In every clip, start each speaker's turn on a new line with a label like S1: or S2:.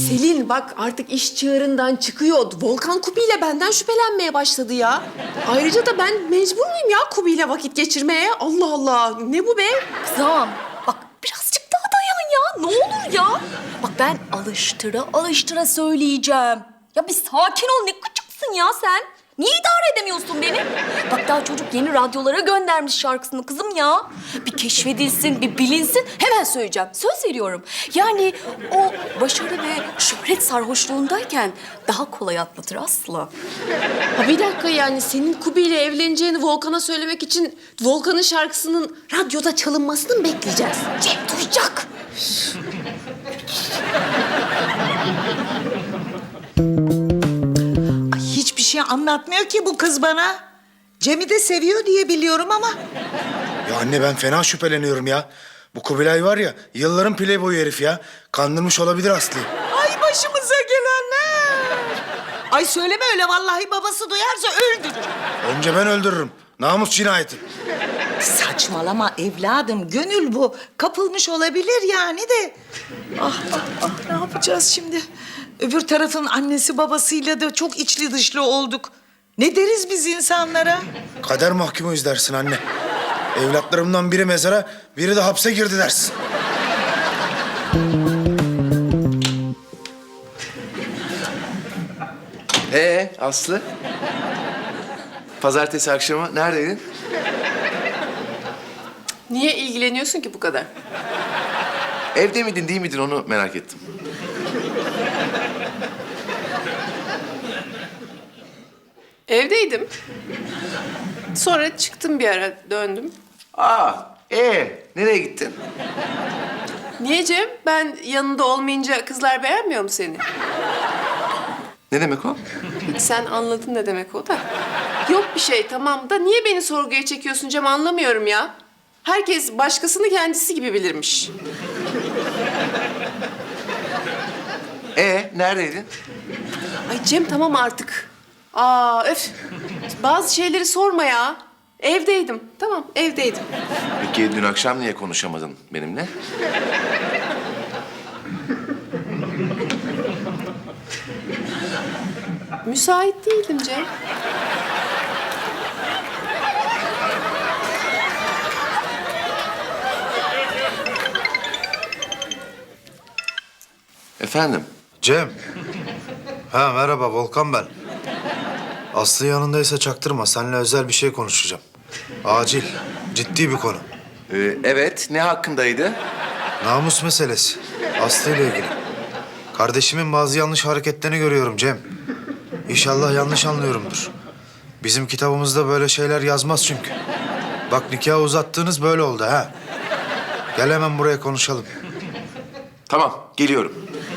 S1: Selin bak artık iş çığırından çıkıyor. Volkan Kubi ile benden şüphelenmeye başladı ya. Ayrıca da ben mecbur muyum ya Kubi ile vakit geçirmeye? Allah Allah ne bu be?
S2: Kızım bak birazcık daha dayan ya. Ne olur ya. Bak ben alıştıra alıştıra söyleyeceğim. Ya bir sakin ol, ne gıcıksın ya sen. Niye idare edemiyorsun beni? Bak daha çocuk yeni radyolara göndermiş şarkısını kızım ya. Bir keşfedilsin, bir bilinsin, hemen söyleyeceğim. Söz veriyorum. Yani o başarı ve şöhret sarhoşluğundayken daha kolay atlatır Aslı.
S1: Ha bir dakika yani senin Kubi ile evleneceğini Volkan'a söylemek için Volkan'ın şarkısının radyoda çalınmasını mı bekleyeceğiz?
S2: Cem duyacak.
S3: Ay, hiçbir şey anlatmıyor ki bu kız bana. Cem'i de seviyor diye biliyorum ama.
S4: Ya anne ben fena şüpheleniyorum ya. Bu Kubilay var ya yılların playboyu herif ya. Kandırmış olabilir Aslı'yı.
S3: Ay başımıza gelenler. Ay söyleme öyle, vallahi babası duyarsa öldürür.
S4: Önce ben öldürürüm. Namus cinayeti.
S3: Saçmalama evladım, gönül bu. Kapılmış olabilir yani de. Ne yapacağız şimdi? Öbür tarafın annesi babasıyla da çok içli dışlı olduk. Ne deriz biz insanlara?
S4: Kader mahkumuyuz dersin anne. Evlatlarımdan biri mezara, biri de hapse girdi dersin.
S5: Aslı? Pazartesi akşamı neredeydin?
S1: Niye ilgileniyorsun ki bu kadar?
S5: Evde miydin değil miydin onu merak ettim.
S1: Evdeydim. Sonra çıktım bir ara döndüm.
S5: Nereye gittin?
S1: Niye Cem? Ben yanında olmayınca kızlar beğenmiyor mu seni?
S5: Ne demek o?
S1: Hiç sen anladın ne demek o da. Yok bir şey tamam da niye beni sorguya çekiyorsun Cem anlamıyorum ya. Herkes başkasını kendisi gibi bilirmiş.
S5: Neredeydin?
S1: Ay Cem tamam artık. Aa öf. Bazı şeyleri sorma ya. Evdeydim. Tamam evdeydim.
S5: Peki dün akşam niye konuşamadın benimle?
S1: Müsait değildim Cem.
S5: Efendim?
S4: Cem. Ha merhaba Volkan ben. Aslı yanındaysa çaktırma. Seninle özel bir şey konuşacağım. Acil. Ciddi bir konu.
S5: Evet, ne hakkındaydı?
S4: Namus meselesi. Aslı ile ilgili. Kardeşimin bazı yanlış hareketlerini görüyorum Cem. İnşallah yanlış anlıyorumdur. Bizim kitabımızda böyle şeyler yazmaz çünkü. Bak nikahı uzattığınız böyle oldu ha. Gel hemen buraya konuşalım.
S5: Tamam, geliyorum.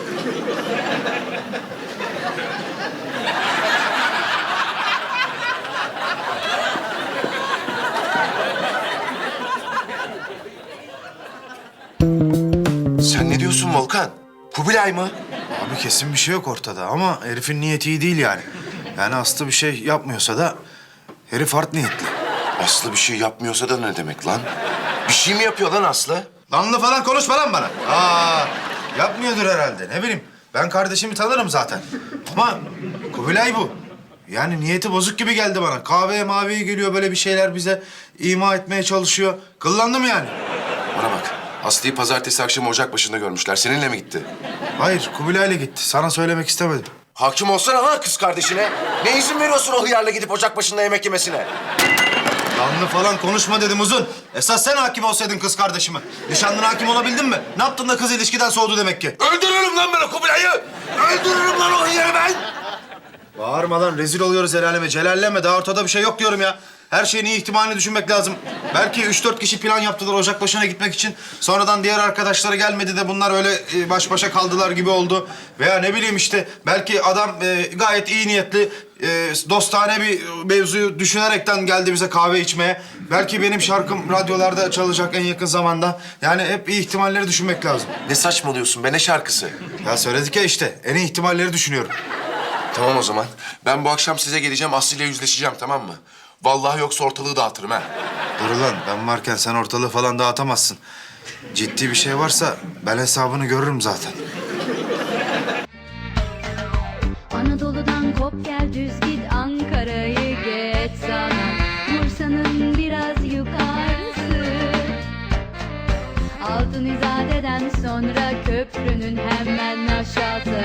S5: Sen ne diyorsun Volkan? Kubilay mı?
S4: Abi kesin bir şey yok ortada ama herifin niyeti iyi değil yani. Yani Aslı bir şey yapmıyorsa da herif art niyetli.
S5: Aslı bir şey yapmıyorsa da ne demek lan? Bir şey mi yapıyor lan Aslı?
S4: Lanlı falan konuşma lan bana. Yapmıyordur herhalde ne bileyim. Ben kardeşimi tanırım zaten. Ama Kubilay bu. Yani niyeti bozuk gibi geldi bana. Kahveye maviye geliyor böyle bir şeyler bize ima etmeye çalışıyor. Kıllandım yani.
S5: Bana bak. Aslı'yı pazartesi akşamı ocak başında görmüşler. Seninle mi gitti?
S4: Hayır Kubilay'la gitti. Sana söylemek istemedim.
S5: Hakim olsana lan kız kardeşine. Ne izin veriyorsun o hıyarla gidip ocak başında yemek yemesine?
S4: Lanlı falan konuşma dedim uzun. Esas sen hakim olsaydın kız kardeşime. Nişanlına hakim olabildin mi? Ne yaptın da kız ilişkiden soğudu demek ki?
S5: Öldürürüm lan ben o Kubilay'ı. Öldürürüm lan o hıyarı ben.
S4: Bağırma lan rezil oluyoruz el aleme. Celalleme daha ortada bir şey yok diyorum ya. Her şeyin iyi ihtimalini düşünmek lazım. Belki 3-4 kişi plan yaptılar ocak başına gitmek için. Sonradan diğer arkadaşları gelmedi de bunlar öyle baş başa kaldılar gibi oldu. Veya ne bileyim işte belki adam gayet iyi niyetli, dostane bir mevzuyu düşünerekten geldi bize kahve içmeye. Belki benim şarkım radyolarda çalacak en yakın zamanda. Yani hep iyi ihtimalleri düşünmek lazım.
S5: Ne saçmalıyorsun be, ne şarkısı?
S4: Ya söyledik ya işte en iyi ihtimalleri düşünüyorum.
S5: Tamam o zaman. Ben bu akşam size geleceğim, Aslı ile yüzleşeceğim, tamam mı? Vallahi yoksa ortalığı dağıtırım ha.
S4: Dur lan ben varken sen ortalığı falan dağıtamazsın. Ciddi bir şey varsa ben hesabını görürüm zaten.
S6: Anadolu'dan kop gel düz git, Ankara'yı geç sana, Bursa'nın biraz yukarısı. Altın İzade'den sonra köprünün hemen aşağısı.